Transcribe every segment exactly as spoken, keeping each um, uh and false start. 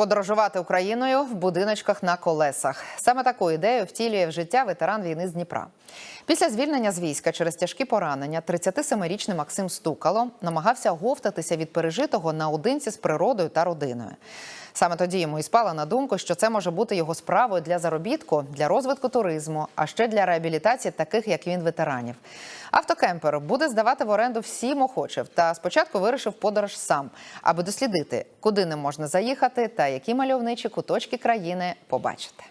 подорожувати Україною в будиночках на колесах. Саме таку ідею втілює в життя ветеран війни з Дніпра. Після звільнення з війська через тяжкі поранення тридцятисемирічний Максим Стукало намагався оговтатися від пережитого наодинці з природою та родиною. Саме тоді йому і спало на думку, що це може бути його справою для заробітку, для розвитку туризму, а ще для реабілітації таких, як він, ветеранів. Автокемпер буде здавати в оренду всім охочим. Та спочатку вирішив подорож сам, аби дослідити, куди не можна заїхати та які мальовничі куточки країни побачити.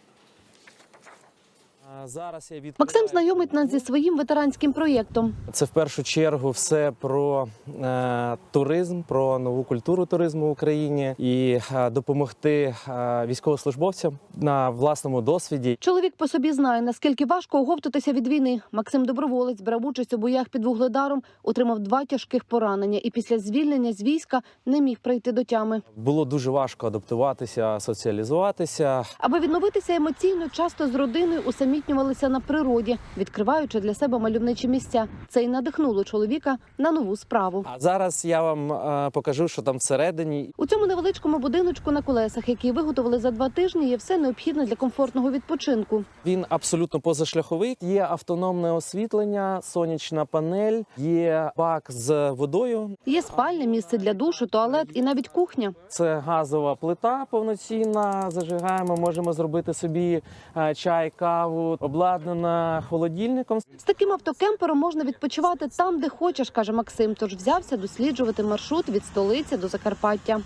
Зараз я Максим знайомить нас зі своїм ветеранським проєктом. Це в першу чергу все про е, туризм, про нову культуру туризму в Україні і е, допомогти е, військовослужбовцям на власному досвіді. Чоловік по собі знає, наскільки важко оговтатися від війни. Максим доброволець, брав участь у боях під Вугледаром, отримав два тяжких поранення і після звільнення з війська не міг прийти до тями. Було дуже важко адаптуватися, соціалізуватися. Аби відновитися емоційно, часто з родиною усамітнювалися на природі, відкриваючи для себе мальовничі місця. Це й надихнуло чоловіка на нову справу. А зараз я вам е, покажу, що там всередині. У цьому невеличкому будиночку на колесах, який виготовили за два тижні, є все необхідне для комфортного відпочинку. Він абсолютно позашляховий. Є автономне освітлення, сонячна панель, є бак з водою. Є спальне, місце для душу, туалет і навіть кухня. Це газова плита повноцінна, зажигаємо, можемо зробити собі е, чай, каву, обладнана холодильником. З таким автокемпером можна відпочивати там, де хочеш, каже Максим, тож взявся досліджувати маршрут від столиці до Закарпаття.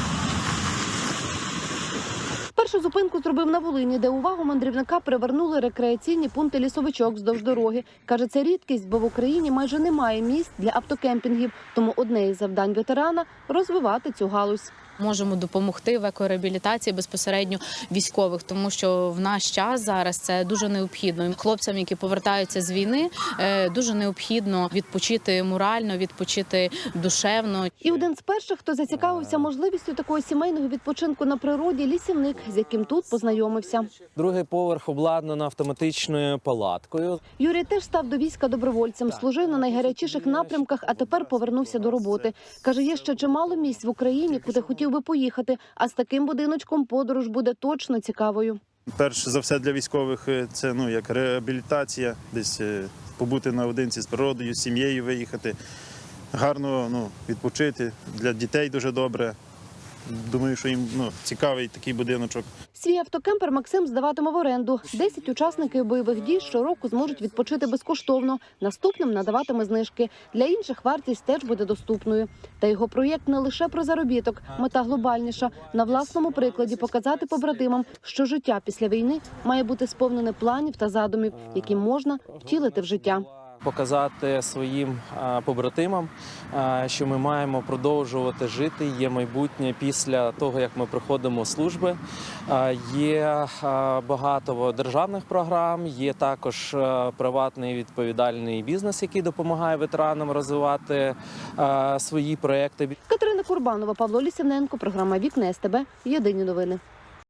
Першу зупинку зробив на Волині, де увагу мандрівника привернули рекреаційні пункти лісовичок вздовж дороги. Каже, це рідкість, бо в Україні майже немає місць для автокемпінгів. Тому одне із завдань ветерана – розвивати цю галузь. Можемо допомогти в екореабілітації безпосередньо військових, тому що в наш час зараз це дуже необхідно. Хлопцям, які повертаються з війни, дуже необхідно відпочити морально, відпочити душевно. І один з перших, хто зацікавився можливістю такого сімейного відпочинку на природі – лісівник, з яким тут познайомився. Другий поверх обладнано автоматичною палаткою. Юрій теж став до війська добровольцем, служив на найгарячіших напрямках, а тепер повернувся до роботи. Каже, є ще чимало місць в Україні, куди хотів би поїхати, а з таким будиночком подорож буде точно цікавою. Перш за все для військових це ну як реабілітація, десь побути наодинці з природою, з сім'єю виїхати, гарно ну, відпочити, для дітей дуже добре. Думаю, що їм ну, цікавий такий будиночок. Свій автокемпер Максим здаватиме в оренду. Десять учасників бойових дій щороку зможуть відпочити безкоштовно. Наступним надаватиме знижки. Для інших вартість теж буде доступною. Та його проєкт не лише про заробіток. Мета глобальніша. На власному прикладі показати побратимам, що життя після війни має бути сповнене планів та задумів, які можна втілити в життя. Показати своїм побратимам, що ми маємо продовжувати жити, є майбутнє після того, як ми проходимо служби. Є багато державних програм, є також приватний відповідальний бізнес, який допомагає ветеранам розвивати свої проекти. Катерина Курбанова, Павло Лісівненко, програма «Вікна СТБ», єдині новини.